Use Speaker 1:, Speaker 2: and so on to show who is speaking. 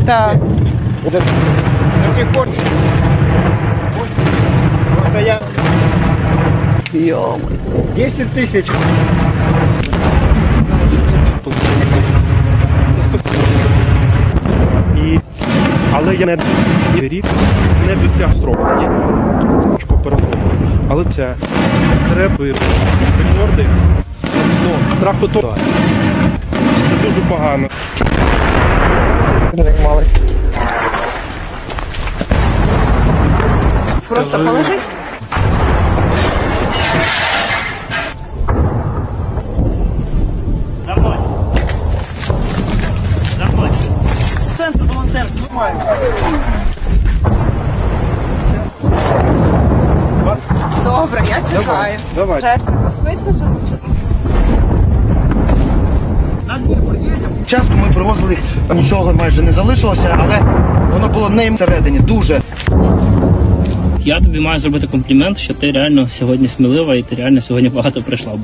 Speaker 1: Так.
Speaker 2: До сих пор. Просто я...
Speaker 1: Йо.
Speaker 2: 10 тисяч.
Speaker 3: Але я не рік не досяг строфу. Ні. Спочатку перемогу. Але це треба рекорди. Ну, страху то. Це дуже погано.
Speaker 1: Займалась. Просто положись.
Speaker 2: Центр волонтерства.
Speaker 1: Добре, я чекаю.
Speaker 2: Давай.
Speaker 1: Чесно, безпечно живу.
Speaker 2: Часто ми привозили, нічого майже не залишилося, але воно було не всередині, дуже.
Speaker 4: Я тобі маю зробити комплімент, що ти реально сьогодні смілива і ти реально сьогодні багато прийшла.